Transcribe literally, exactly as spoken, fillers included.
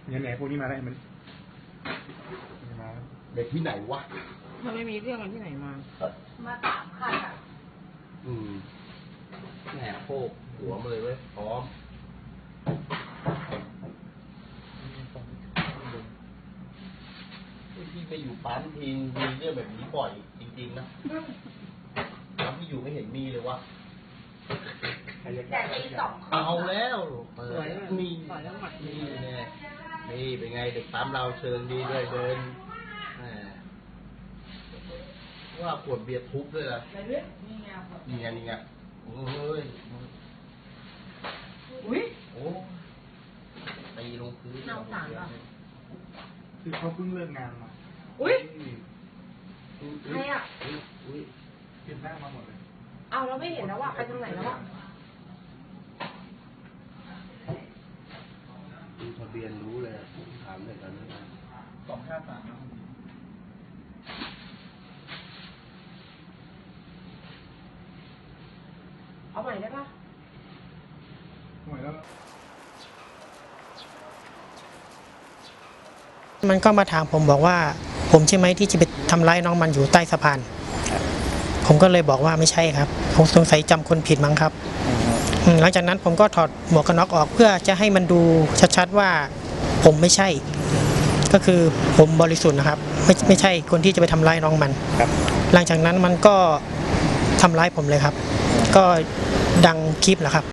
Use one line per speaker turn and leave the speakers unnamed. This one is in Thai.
เนี่ยแหนพวกนี้มาได้มันมาเด็กที่ไหนวะ
มันไม่มีเรื่องกันที่ไหนมา
มาสามคันอ่ะ
อืมแหนโคกหัวมาเลยเว้ยพร้อมพี่ไปอยู่ปั๊มทีมีเรื่องแบบนี้บ่อยจริงๆนะตอนที่อยู่ไม่เห็นมีเลยวะ
แต่ตีสอง
เอาแล้วเปิ
สวย
ด
เลย
มี
ต่อยแล้วหมัด
นี่เนี่ยนี่เป็นไงเด็กปั๊มเราเชิงดีด้วยเดินแหมว่าขวดเบียร์ทุบด้วยล่ะ
อะไรเนี่ยนี่ไง
นี่ไงนี่ไงโอ้ย
อุ้ย
โอ้ตีลงพื้น
น่าสงสารว่ะ
คือเขาเพิ่งเลิกงานมา
อุ้ย
อุ๊ย
ใครอ่ะ
อุ๊ยอุ๊ย
เปลี่ยนหน้ามาหมดเลย
เอาเราไม่เห็นแล้วอ่ะไปทางไหนแล้วอ่ะ
ดูทะเบียนรู้เลยอะผมถามเลยตอนนั้นนะ
สองห้าสาม
เอาใหม่ได้ปะ
หวยแล้ว
มันก็มาถามผมบอกว่า ผมใช่ไหมที่จะไปทำร้ายน้องมันอยู่ใต้สะพาน ผมก็เลยบอกว่าไม่ใช่ครับผมสงสัยจำคนผิดมั้งครับอืมหลังจากนั้นผมก็ถอดหมวกกันน็อกออกเพื่อจะให้มันดูชัดๆว่าผมไม่ใช่ ก็คือผมบริสุทธิ์นะครับ ไม่ไม่ใช่คนที่จะไปทำร้ายน้องมัน
ครับ
หลังจากนั้นมันก็ทำร้ายผมเลยครับ ก็ดังคลิปแหละครับ